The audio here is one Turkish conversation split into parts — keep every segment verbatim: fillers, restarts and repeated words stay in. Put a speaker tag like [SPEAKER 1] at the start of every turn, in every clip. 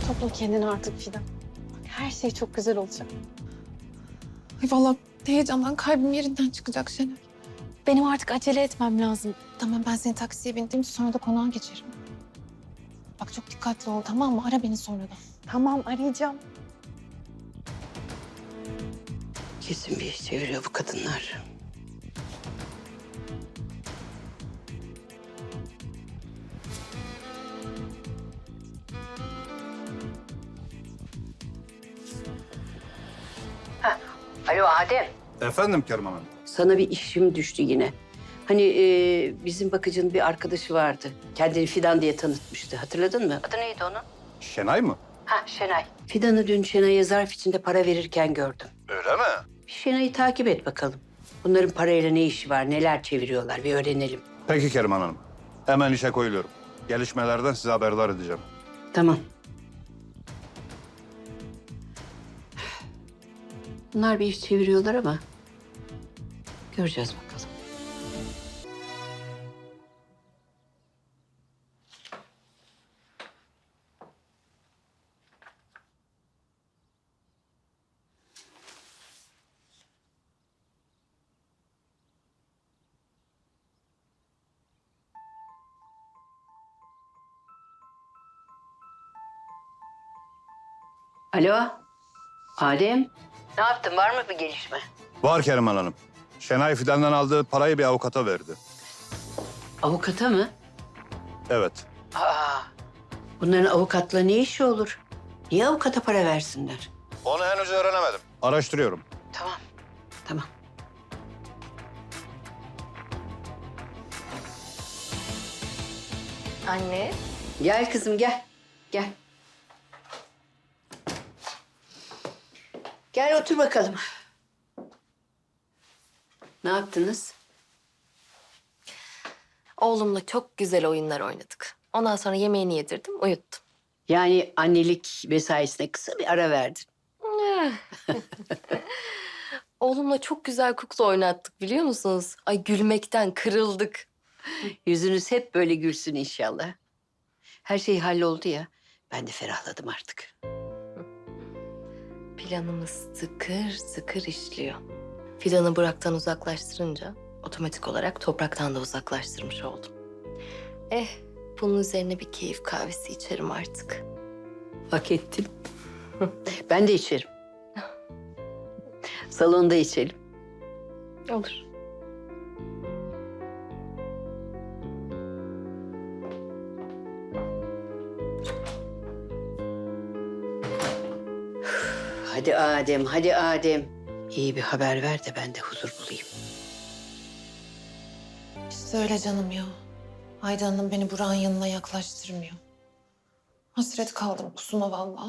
[SPEAKER 1] Topla kendini artık Fidan. Her şey çok güzel olacak.
[SPEAKER 2] Ay vallahi heyecandan kalbim yerinden çıkacak Şenay.
[SPEAKER 1] Benim artık acele etmem lazım.
[SPEAKER 2] Tamam ben seni taksiye bindireyim sonra da konağa geçerim. Bak çok dikkatli ol tamam mı? Ara beni sonra da.
[SPEAKER 1] Tamam, arayacağım.
[SPEAKER 3] Kesin bir iş çeviriyor bu kadınlar. Heh. Alo Adem.
[SPEAKER 4] Efendim Kerman Hanım.
[SPEAKER 3] Sana bir işim düştü yine. Hani e, bizim bakıcının bir arkadaşı vardı. Kendini Fidan diye tanıtmıştı. Hatırladın mı? Adı neydi onun?
[SPEAKER 4] Şenay mı?
[SPEAKER 3] Ha Şenay. Fidan'ı dün Şenay'a zarf içinde para verirken gördüm.
[SPEAKER 4] Öyle mi?
[SPEAKER 3] Bir Şenay'ı takip et bakalım. Bunların parayla ne işi var, neler çeviriyorlar bir öğrenelim.
[SPEAKER 4] Peki Kerman Hanım. Hemen işe koyuluyorum. Gelişmelerden size haberdar edeceğim.
[SPEAKER 3] Tamam. Bunlar bir iş çeviriyorlar ama göreceğiz bakalım. Alo, Adem. Ne yaptın? Var mı bir gelişme?
[SPEAKER 4] Var Kerman Hanım. Şenay Fidan'dan aldığı parayı bir avukata verdi.
[SPEAKER 3] Avukata mı?
[SPEAKER 4] Evet.
[SPEAKER 3] Aa, bunların avukatla ne işi olur? Niye avukata para versinler?
[SPEAKER 4] Onu henüz öğrenemedim. Araştırıyorum.
[SPEAKER 3] Tamam, tamam.
[SPEAKER 1] Anne.
[SPEAKER 3] Gel kızım gel, gel. Gel otur bakalım. Ne yaptınız?
[SPEAKER 5] Oğlumla çok güzel oyunlar oynadık. Ondan sonra yemeğini yedirdim, uyuttum.
[SPEAKER 3] Yani annelik mesaisine kısa bir ara verdin.
[SPEAKER 5] Oğlumla çok güzel kukla oynattık biliyor musunuz? Ay gülmekten kırıldık.
[SPEAKER 3] Yüzünüz hep böyle gülsün inşallah. Her şey halloldu ya. Ben de ferahladım artık.
[SPEAKER 5] Planımız tıkır tıkır işliyor. Fidan'ı Burak'tan uzaklaştırınca otomatik olarak topraktan da uzaklaştırmış oldum. Eh, bunun üzerine bir keyif kahvesi içerim artık.
[SPEAKER 3] Hak ettin. Ben de içerim. Salonda içelim.
[SPEAKER 5] Olur.
[SPEAKER 3] Hadi Adem, hadi Adem. İyi bir haber ver de ben de huzur bulayım.
[SPEAKER 2] İşte öyle canım ya. Ayda Hanım beni Burak'ın yanına yaklaştırmıyor. Hasret kaldım kusuma vallahi.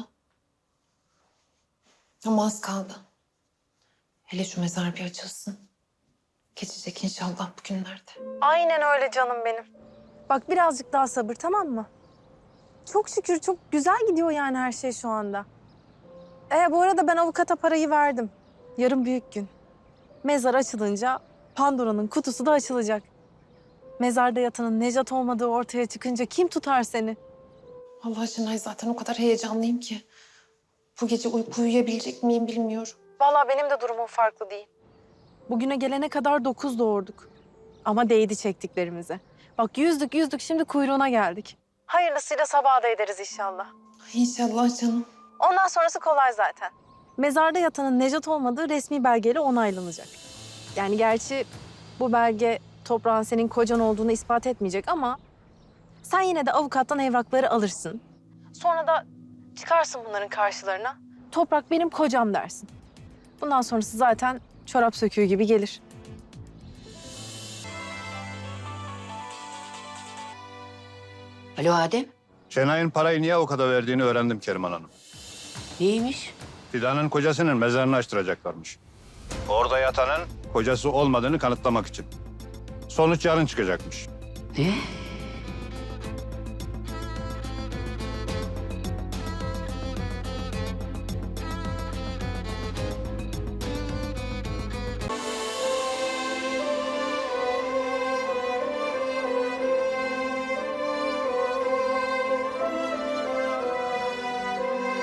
[SPEAKER 2] Ama az kaldı. Hele şu mezar bir açılsın. Geçecek inşallah bugünlerde.
[SPEAKER 6] Aynen öyle canım benim. Bak birazcık daha sabır tamam mı? Çok şükür çok güzel gidiyor yani her şey şu anda. E bu arada ben avukata parayı verdim. Yarın büyük gün. Mezar açılınca Pandora'nın kutusu da açılacak. Mezarda yatanın Nejat olmadığı ortaya çıkınca kim tutar seni?
[SPEAKER 2] Allah Şenay zaten o kadar heyecanlıyım ki. Bu gece uyku uyuyabilecek miyim bilmiyorum.
[SPEAKER 6] Vallahi benim de durumum farklı değil. Bugüne gelene kadar dokuz doğurduk. Ama değdi çektiklerimize. Bak yüzdük yüzdük şimdi kuyruğuna geldik. Hayırlısıyla sabaha da ederiz inşallah.
[SPEAKER 2] İnşallah canım.
[SPEAKER 6] Ondan sonrası kolay zaten. Mezarda yatanın Nejat olmadığı resmi belgeyle onaylanacak. Yani gerçi bu belge toprağın senin kocan olduğunu ispat etmeyecek ama sen yine de avukattan evrakları alırsın. Sonra da çıkarsın bunların karşılarına. Toprak benim kocam dersin. Bundan sonrası zaten çorap söküğü gibi gelir.
[SPEAKER 3] Alo Adem,
[SPEAKER 4] Şenay'ın parayı niye avukata verdiğini öğrendim Kerman Hanım.
[SPEAKER 3] neymiş?
[SPEAKER 4] Fidan'ın kocasının mezarını açtıracaklarmış. Orada yatanın kocası olmadığını kanıtlamak için. Sonuç yarın çıkacakmış.
[SPEAKER 3] Ne?